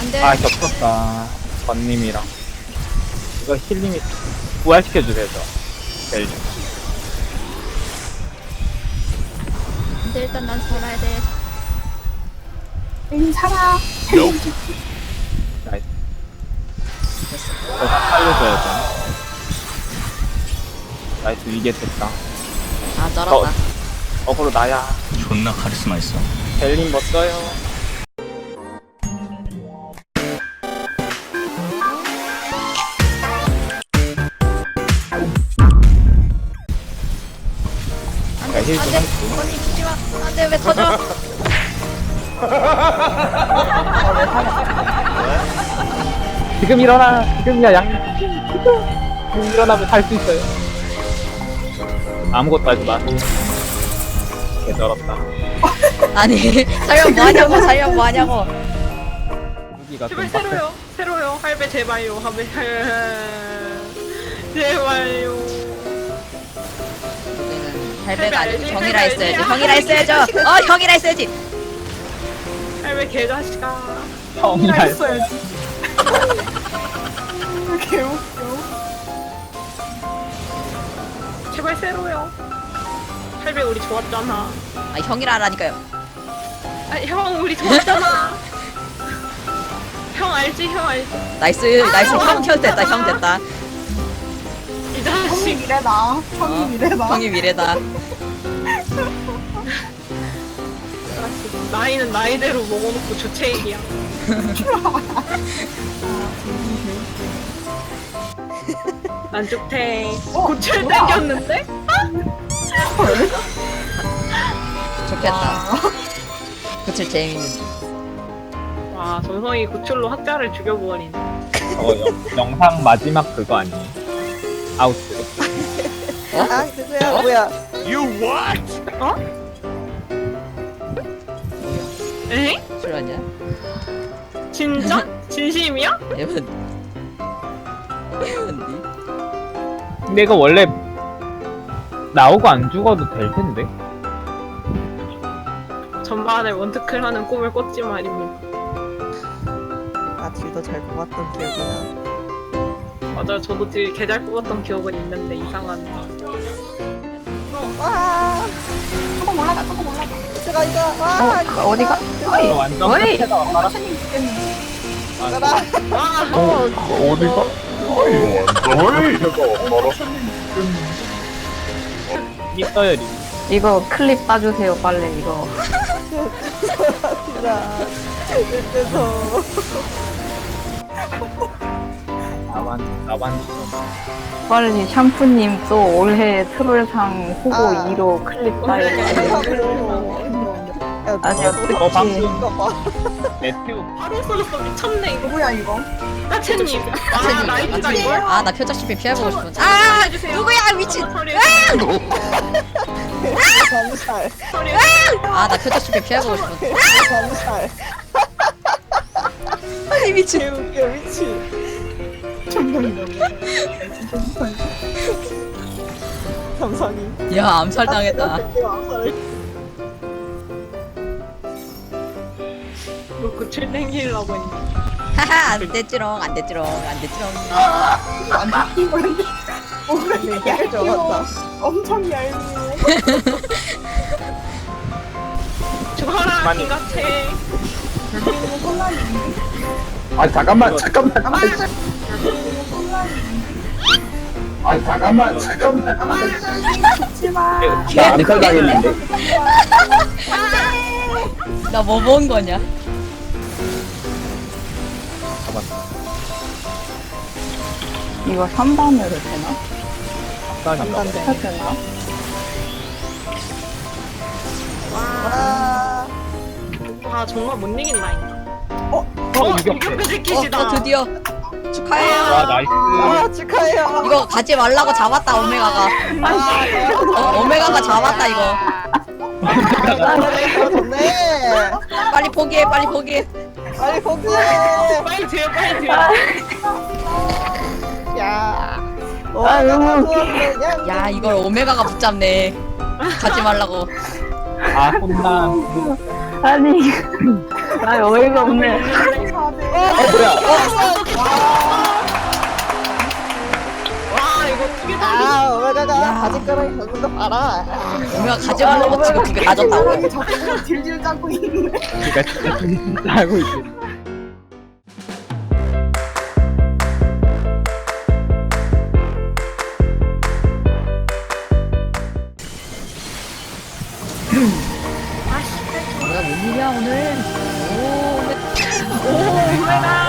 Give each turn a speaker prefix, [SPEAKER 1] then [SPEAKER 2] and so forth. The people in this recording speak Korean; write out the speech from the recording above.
[SPEAKER 1] 안돼.
[SPEAKER 2] 아 겹쳤다. 번님이랑 이거 힐링이 부활시켜주세요 저. 벨.
[SPEAKER 1] 안돼 일단 난 살아야 돼.
[SPEAKER 3] 살아.
[SPEAKER 2] 나이스. 저다 살려줘야죠. 나이스 이게 됐다.
[SPEAKER 1] 아 쩔었다.
[SPEAKER 2] 어그로 나야.
[SPEAKER 4] 존나 카리스마 있어.
[SPEAKER 2] 벨린 멋져요.
[SPEAKER 1] 안돼
[SPEAKER 2] 힐 좀
[SPEAKER 1] 안돼.
[SPEAKER 2] 할게요.
[SPEAKER 1] 언니 죽지마. 안돼 왜 터져?
[SPEAKER 2] 지금 일어나. 지금이야 양. 지금 일어나면 살 수 있어요. 아무것도 하지 마. 개쩔었다.
[SPEAKER 1] 아니 살면 뭐하냐고 살면 뭐하냐고.
[SPEAKER 2] 여기가 좀
[SPEAKER 5] 제발 새로요. 새로요. 할배 제발요. 할배 제발요.
[SPEAKER 1] 우리는 할배가 아니고 형이라 했어야지. 형이라 했어야죠. 형이라 했어야지.
[SPEAKER 5] 할배 개자식아.
[SPEAKER 2] 형이라
[SPEAKER 3] 했어야지. 개웃겨.
[SPEAKER 5] 제발 새로요. 할배 우리 좋았잖아.
[SPEAKER 1] 아 형이라 하라니까요.
[SPEAKER 5] 아, 형 우리 좋았잖아. 형 알지? 형 알지?
[SPEAKER 1] 나이스 나이스 형 됐다 형 됐다.
[SPEAKER 5] 이
[SPEAKER 3] 형이
[SPEAKER 5] 자식.
[SPEAKER 3] 미래다. 형이 미래다.
[SPEAKER 1] 형이 미래다.
[SPEAKER 5] 나이는 나이대로 먹어놓고 주체이야. 난 죽태. 고철
[SPEAKER 3] 뭐야?
[SPEAKER 5] 땡겼는데?
[SPEAKER 1] 좋겠다. 그칠 재밌는데.
[SPEAKER 5] 와, 정성이 고철로 학자를 죽여버린.
[SPEAKER 2] 저거 영상 마지막 그거 아니에요? 아웃ro.
[SPEAKER 6] 아, 누구야, 뭐야.
[SPEAKER 5] 에?
[SPEAKER 1] 실화냐?
[SPEAKER 5] 진짜? 진심이야?
[SPEAKER 1] 에반디.
[SPEAKER 2] 근데 이거 원래 나오고 안 죽어도 될 텐데.
[SPEAKER 5] 전반에 원투클 하는 꿈을 꿨지 말입니다.
[SPEAKER 6] 아, 딜도 잘 뽑았던 기억이 나.
[SPEAKER 5] 맞아요. 저도 되게 개잘 뽑았던 기억은 있는데 이상한.
[SPEAKER 6] 와,
[SPEAKER 3] 조금 올라가, 조금 올라가.
[SPEAKER 6] 제가 이거, 와,
[SPEAKER 3] 어디가? 어이,
[SPEAKER 2] 이거 완전
[SPEAKER 3] 어이.
[SPEAKER 2] 끝에다가 깔아.
[SPEAKER 3] 선생님 죽겠네.
[SPEAKER 6] 가라.
[SPEAKER 5] 와,
[SPEAKER 2] 어디가? 있어요 리.
[SPEAKER 7] 이거 클립 따주세요 빨리 이거.
[SPEAKER 6] 진짜. 그래서.
[SPEAKER 2] 나만 좀.
[SPEAKER 7] 빨리 샴푸님 또 올해 트롤상 후보
[SPEAKER 6] 아.
[SPEAKER 7] 2로 클립 따요. 아니요,
[SPEAKER 2] 어 방금
[SPEAKER 6] 이거 봐.
[SPEAKER 2] 메테오
[SPEAKER 5] 바로 써졌어. 미쳤네 이거.
[SPEAKER 3] 누구야, 이거?
[SPEAKER 5] 따채님. 아, 나이트다 이걸?
[SPEAKER 1] 아나 표적시비 피해보고 싶은데.
[SPEAKER 5] 아, 해주세요.
[SPEAKER 1] 누구야 미친.
[SPEAKER 5] 소리.
[SPEAKER 6] 잠살.
[SPEAKER 5] 소리.
[SPEAKER 1] 아나 표적시비 피해보고 싶은데.
[SPEAKER 6] 잠살.
[SPEAKER 1] 아니 미친.
[SPEAKER 6] 개웃겨, 미친. 감상이.
[SPEAKER 1] 야 암살 당했다.
[SPEAKER 5] 너 고철 땡기려고 했니?
[SPEAKER 1] 하하 안 됐지롱 안 됐지롱 안 됐지롱.
[SPEAKER 3] 완전 피곤한데. 오늘
[SPEAKER 6] 되게 좋았다.
[SPEAKER 3] 엄청 얇네.
[SPEAKER 5] 죽어라
[SPEAKER 2] 많이.
[SPEAKER 5] 기가채.
[SPEAKER 2] 아 잠깐만 잠깐만 아 잠깐만 나 암살 당했는데.
[SPEAKER 1] 나 뭐 본 거냐?
[SPEAKER 7] 이거 3단으로 되나?
[SPEAKER 2] 암살인가?
[SPEAKER 7] 해야 되나?
[SPEAKER 6] 와.
[SPEAKER 5] 아 정말 못 이긴다니까.
[SPEAKER 2] 이겼어.
[SPEAKER 5] 이겼다 새끼시다.
[SPEAKER 1] 드디어 축하해요.
[SPEAKER 2] 와 나이스.
[SPEAKER 6] 와, 축하해요.
[SPEAKER 1] 이거 가지 말라고 잡았다 오메가가. 오메가가 잡았다 이거.
[SPEAKER 6] 좋네.
[SPEAKER 1] 빨리 포기해 빨리 포기해.
[SPEAKER 6] 빨리 포기해.
[SPEAKER 5] 빨리 돼요 빨리 돼요.
[SPEAKER 6] 야. 와, 너무 좋았네.
[SPEAKER 1] 야 이걸 오메가가 붙잡네. 가지 말라고.
[SPEAKER 2] 아 혼남.
[SPEAKER 7] 아니 나 어이가 없네.
[SPEAKER 2] 뭐야?
[SPEAKER 6] 아, 오메가가 바지가랑이 걷는 거 봐라.
[SPEAKER 1] 오메가 가져오려고 지금 두 개 가졌다고.
[SPEAKER 3] 사람이 저거 질질 짜고 있네.
[SPEAKER 2] 그러니까 진짜 하고 있어.
[SPEAKER 1] 오메가 웬일이야 오늘. 오, 오메가.